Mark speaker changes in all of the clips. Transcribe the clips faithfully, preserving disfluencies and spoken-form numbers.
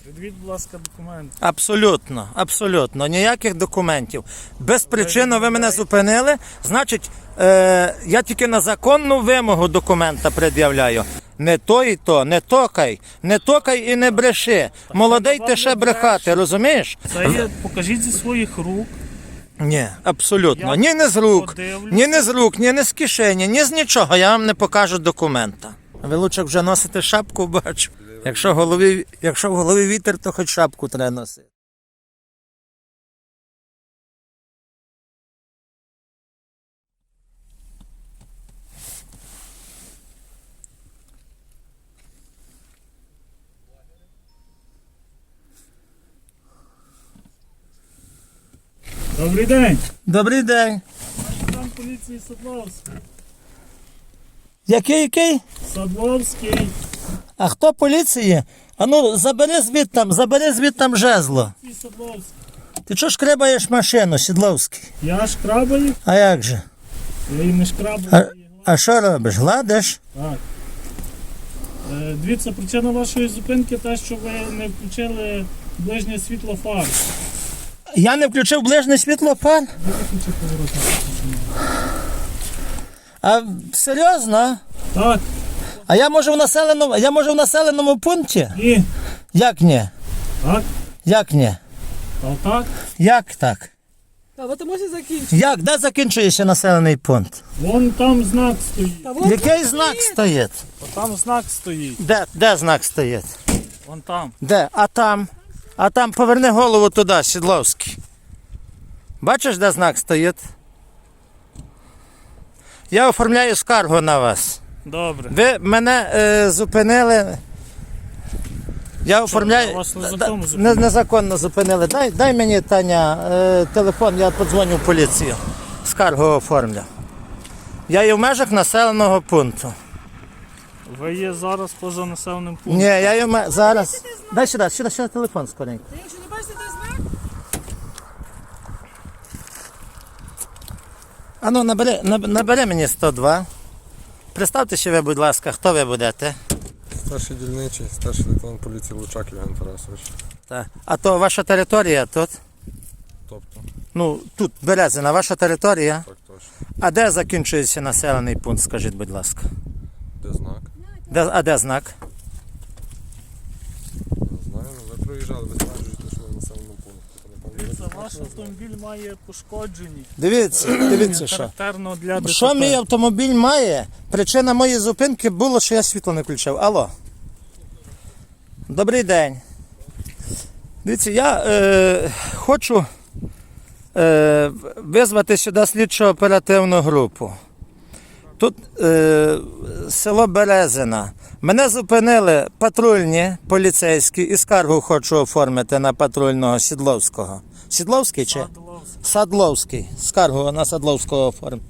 Speaker 1: Відвідь, будь ласка, документи.
Speaker 2: Абсолютно, абсолютно. Ніяких документів. Без причини ви мене зупинили, значить, е, я тільки на законну вимогу документа пред'являю. Не то і то, не токай, не токай і не бреши. Молодий ти ще брехати, розумієш?
Speaker 1: Це є, покажіть зі своїх рук.
Speaker 2: Ні, абсолютно.
Speaker 1: Я
Speaker 2: Ні не з рук,
Speaker 1: подивлюся.
Speaker 2: ні не з рук, ні не з кишені, ні з нічого. Я вам не покажу документа. Ви лучше вже носите шапку, бачу. Якщо в голові, якщо в голові вітер, то хоч шапку треба носити.
Speaker 1: Добрий день.
Speaker 2: Добрий день.
Speaker 1: Там поліції Садловський.
Speaker 2: Який, який?
Speaker 1: Садловський.
Speaker 2: А хто поліції? А ну, забери звідтам, забери звідтам жезло.
Speaker 1: Поліції Садловський.
Speaker 2: Ти чого шкребаєш машину, Сідловський?
Speaker 1: Я шкрабаю,
Speaker 2: А як же?
Speaker 1: я її не шкрабаю.
Speaker 2: А,
Speaker 1: я її гладю.
Speaker 2: а що робиш? Гладиш?
Speaker 1: Так. Е, Дивіться, причина вашої зупинки те, що ви не включили ближнє світло фар.
Speaker 2: Я не включив ближнє світло фар?
Speaker 1: Ви виключили поворотник.
Speaker 2: А серйозно?
Speaker 1: Так,
Speaker 2: А я можу в населеному, я можу в населеному пункті?
Speaker 1: і
Speaker 2: Як ні?
Speaker 1: так,
Speaker 2: Як ні?
Speaker 1: та так.
Speaker 2: Як так?
Speaker 3: Та ви можете закінчити.
Speaker 2: Як? Де закінчується населений пункт?
Speaker 1: Вон там знак стоїть.
Speaker 3: Та вон
Speaker 2: Який знак стоїть?
Speaker 1: Там знак стоїть.
Speaker 2: Де, де знак стоїть?
Speaker 1: Вон там.
Speaker 2: Де? А там? А там поверни голову туди, Сідловський. Бачиш, де знак стоїть? Я оформляю скаргу на вас.
Speaker 1: Добре.
Speaker 2: Ви мене е, зупинили. Я оформляю.
Speaker 1: я вас незаконно
Speaker 2: Да,
Speaker 1: зупинив?
Speaker 2: не- незаконно зупинили. Дай, дай мені, Таня, е, телефон, я подзвоню в поліцію. Скаргу оформлю. Я є в межах населеного пункту.
Speaker 1: Ви є зараз поза населеним пунктом.
Speaker 2: Ні, я є в ме- зараз. Дай сюди, сюди, сюди телефон скоренько.
Speaker 3: Та якщо не бачите той знак,
Speaker 2: А ну, набери, наб- набери мені сто два. Представте ще ви, будь ласка, хто ви будете?
Speaker 4: Старший дільничий, старший лейтенант поліції Лучак Євген Тарасович.
Speaker 2: Так. А то ваша територія тут?
Speaker 4: Тобто,
Speaker 2: Ну, тут Березина, ваша територія.
Speaker 4: так точно.
Speaker 2: А де закінчується населений пункт, скажіть, будь ласка?
Speaker 4: Де знак?
Speaker 2: Де, а де знак?
Speaker 4: Не знаю, ну ви проїжджали, ви стверджуєте, що ви в населеному пункті. То, напевно,
Speaker 1: Дивіться,
Speaker 4: ви
Speaker 1: ваш автомобіль має пошкоджені.
Speaker 2: Дивіться, дивіться, що.
Speaker 1: Характерно для ДТП.
Speaker 2: Що мій автомобіль має? Причина моєї зупинки було, що я світло не включив. Алло. Добрий день. Дивіться, я е, хочу е, визвати сюди слідчо-оперативну групу. Тут е, село Березина. Мене зупинили патрульні поліцейські і скаргу хочу оформити на патрульного Сідловського. Сідловський чи?
Speaker 1: Садловський.
Speaker 2: Садловський. Скаргу на Садловського оформ.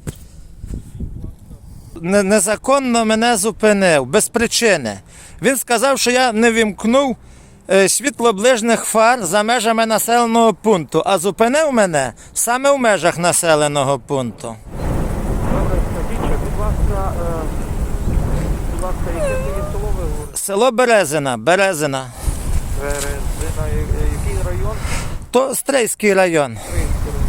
Speaker 2: Не- Незаконно мене зупинив, без причини. Він сказав, що я не вімкнув е, світло ближніх фар за межами населеного пункту, а зупинив мене саме в межах населеного пункту.
Speaker 5: Добре, скажіть, будь ласка, е, будь ласка, яке це є село ви говорите?
Speaker 2: Село Березина, Березина.
Speaker 5: Березина, я- е, який район?
Speaker 2: То Стрийський район.
Speaker 5: Київський район.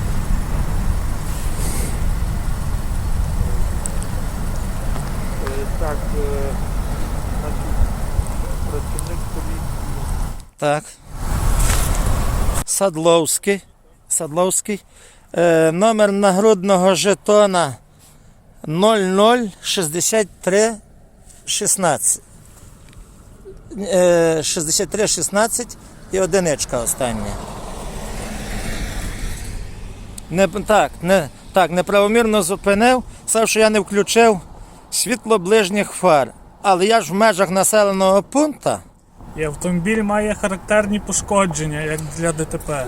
Speaker 5: Е, Так, е, значить, працівник поліції.
Speaker 2: Так. Садловський. Садловський. Е, номер нагрудного жетона нуль нуль шістдесят три шістнадцять. Е, шістдесят три шістнадцять і одиничка остання. Не, так, не, так, неправомірно зупинив, сказав, що я не включив світло ближніх фар. Але я ж в межах населеного пункту.
Speaker 1: І автомобіль має характерні пошкодження, як для ДТП.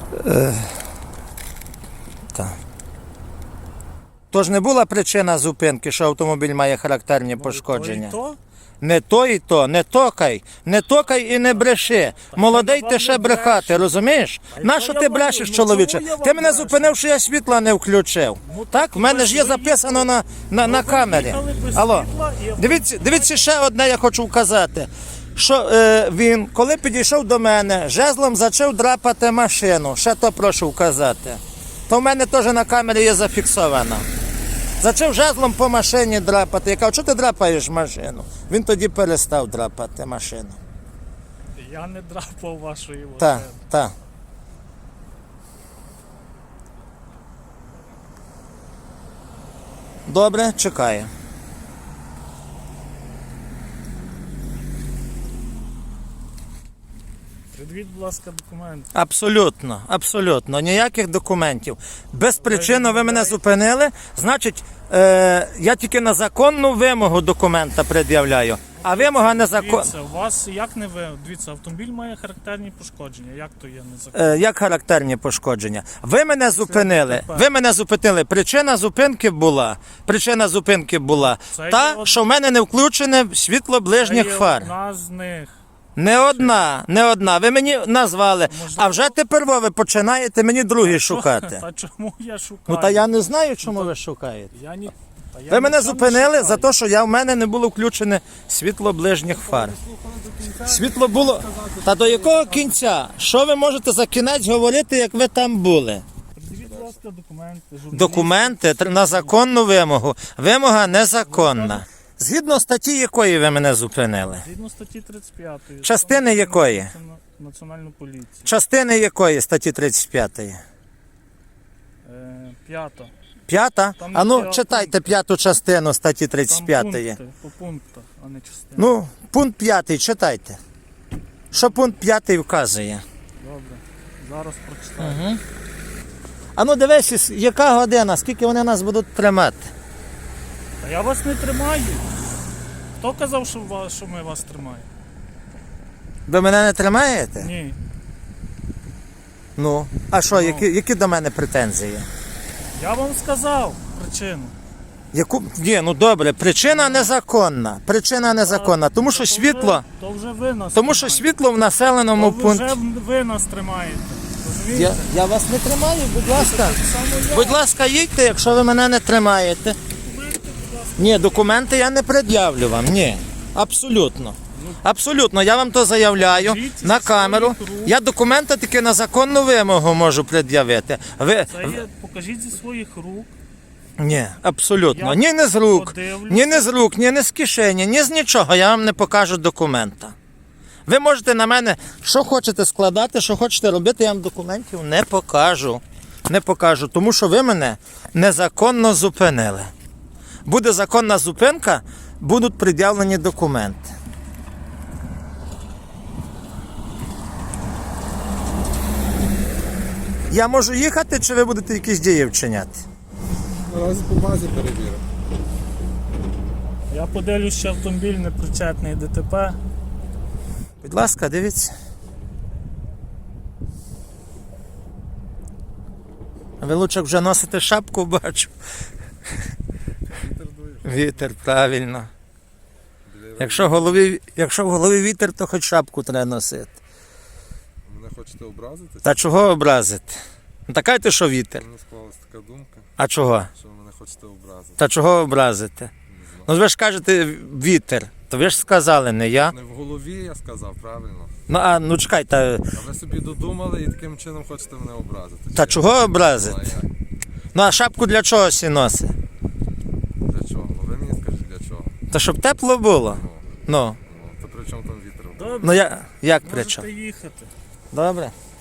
Speaker 2: Тож не була причина зупинки, що автомобіль має характерні пошкодження.
Speaker 1: То і то?
Speaker 2: Не то і то, не токай, не токай і не бреши. Молодий
Speaker 1: я
Speaker 2: ти
Speaker 1: вам
Speaker 2: ще
Speaker 1: не
Speaker 2: брехати,
Speaker 1: брешу.
Speaker 2: розумієш?
Speaker 1: й
Speaker 2: Нащо
Speaker 1: то
Speaker 2: ти
Speaker 1: я вам-
Speaker 2: брешеш,
Speaker 1: ну,
Speaker 2: чоловіче?
Speaker 1: чому я вам
Speaker 2: Ти мене
Speaker 1: брешу?
Speaker 2: зупинив, що я світла не включив.
Speaker 1: Ну,
Speaker 2: Так, в мене
Speaker 1: ви
Speaker 2: ж є
Speaker 1: ж
Speaker 2: записано на, на, на
Speaker 1: ви
Speaker 2: камері.
Speaker 1: їхали без
Speaker 2: Алло,
Speaker 1: світла і автомобіль-
Speaker 2: дивіться, дивіться ще одне я хочу вказати. що е, він, коли підійшов до мене, жезлом почав драпати машину. Ще то прошу вказати. То в мене теж на камері є зафіксовано. Почав жезлом по машині драпати. Я кажу, чого ти драпаєш машину? Він тоді перестав драпати машину.
Speaker 1: Я не драпав вашої машини.
Speaker 2: Так, так. Добре, чекаю.
Speaker 1: Придивіть, будь ласка, документи.
Speaker 2: Абсолютно, абсолютно. Ніяких документів. Безпричинно ви мене зупинили, значить, е, я тільки на законну вимогу документа пред'являю. А вимога незаконна.
Speaker 1: Дивіться, у вас як не ви. Дивіться, автомобіль має характерні пошкодження. Як то є незаконно?
Speaker 2: Е, як характерні пошкодження? Ви мене зупинили.
Speaker 1: ДТП.
Speaker 2: Ви мене зупинили. Причина зупинки була. Причина зупинки була
Speaker 1: Це є
Speaker 2: та,
Speaker 1: од-
Speaker 2: що в мене не включене світло ближніх
Speaker 1: Це є
Speaker 2: фар.
Speaker 1: одна з них.
Speaker 2: Не одна, не одна. Ви мені назвали.
Speaker 1: Можливо.
Speaker 2: А вже тепер ви починаєте мені другі шукати.
Speaker 1: Та чому я шукаю?
Speaker 2: Ну та я не знаю, чому ви шукаєте.
Speaker 1: Я ні... та я
Speaker 2: Ви мене
Speaker 1: нічого не
Speaker 2: зупинили
Speaker 1: шукаю.
Speaker 2: за те, що я, в мене не було включене світло ближніх фар. Світло було. Та до якого кінця? Що ви можете за кінець говорити, як ви там були?
Speaker 1: Придивіть, будь ласка, документи. журналістів.
Speaker 2: Документи тр- на законну вимогу. Вимога незаконна. Згідно статті якої ви мене зупинили?
Speaker 1: Згідно статті тридцять п'ятої.
Speaker 2: Частини
Speaker 1: Закону
Speaker 2: якої?
Speaker 1: про національну- Національну поліцію.
Speaker 2: Частини якої статті тридцять п'ятої?
Speaker 1: Е, п'ята.
Speaker 2: П'ята?
Speaker 1: Там
Speaker 2: А ну
Speaker 1: є
Speaker 2: читайте
Speaker 1: пункти.
Speaker 2: п'яту частину статті тридцять
Speaker 1: Там
Speaker 2: п'ятої.
Speaker 1: пункти, по пунктах, а не частини.
Speaker 2: Ну, пункт п'ятий читайте. Що пункт п'ятий вказує?
Speaker 1: Добре. Зараз прочитаю.
Speaker 2: А ну дивись, яка година, скільки вони нас будуть тримати?
Speaker 1: Та я вас не тримаю. Хто казав, що, ва- що ми вас тримаємо?
Speaker 2: Ви мене не тримаєте?
Speaker 1: Ні.
Speaker 2: Ну, а що,
Speaker 1: Ну.
Speaker 2: які, які до мене претензії?
Speaker 1: Я вам сказав причину.
Speaker 2: Яку? Ні, ну добре, причина незаконна. Причина незаконна, тому що
Speaker 1: То
Speaker 2: світло,
Speaker 1: вже, то вже ви нас
Speaker 2: тому що
Speaker 1: тримаєте.
Speaker 2: світло в населеному
Speaker 1: То
Speaker 2: пункті.
Speaker 1: вже ви нас тримаєте.
Speaker 2: Я,
Speaker 1: Розумієте?
Speaker 2: я вас не тримаю, будь ласка.
Speaker 1: Так само я.
Speaker 2: Будь ласка, їдьте, якщо ви мене не тримаєте. Ні, документи я не пред'явлю вам, ні. Абсолютно. Абсолютно, я вам то заявляю
Speaker 1: Покажіть
Speaker 2: на
Speaker 1: зі
Speaker 2: камеру.
Speaker 1: своїх рук.
Speaker 2: Я документи тільки на законну вимогу можу пред'явити. Ви...
Speaker 1: Це є, покажіть зі своїх рук.
Speaker 2: Ні, абсолютно.
Speaker 1: Я
Speaker 2: Ні не з рук,
Speaker 1: подивлюся.
Speaker 2: ні не з рук, ні не з кишені, ні з нічого. Я вам не покажу документа. Ви можете на мене, що хочете складати, що хочете робити, я вам документів не покажу. Не покажу, тому що ви мене незаконно зупинили. Буде законна зупинка, будуть пред'явлені документи. Я можу їхати, чи ви будете якісь дії вчиняти?
Speaker 4: Наразі по базі перевіримо.
Speaker 1: Я подивлюсь, що автомобіль не причетний ДТП.
Speaker 2: Будь ласка, дивіться. Ви лучше вже носите шапку, бачу.
Speaker 4: Вітер дує.
Speaker 2: Вітер, правильно. Якщо в голові, якщо в голові вітер, то хоч шапку треба носити.
Speaker 4: Мене хочете образити?
Speaker 2: Та чого образити? Ну, така ти, що вітер.
Speaker 4: Мені склалась така думка,
Speaker 2: А чого?
Speaker 4: що ви мене хочете образити.
Speaker 2: Та чого образити? Ну ви ж кажете вітер. То ви ж сказали, не я.
Speaker 4: Не в голові я сказав, правильно.
Speaker 2: Ну а ну чекай, та,
Speaker 4: А ви собі додумали і таким чином хочете мене образити.
Speaker 2: та
Speaker 4: Чи
Speaker 2: чого
Speaker 4: я?
Speaker 2: образити?
Speaker 4: А як?
Speaker 2: Ну а шапку для чого сі носить?
Speaker 4: Для чого? Ну, ви мені скажіть для чого.
Speaker 2: Та щоб тепло було.
Speaker 4: Ну,
Speaker 2: Ну,
Speaker 4: ну, то при чому там вітер?
Speaker 1: Добре,
Speaker 2: ну я, як при чому?
Speaker 1: можете їхати.
Speaker 2: Добре.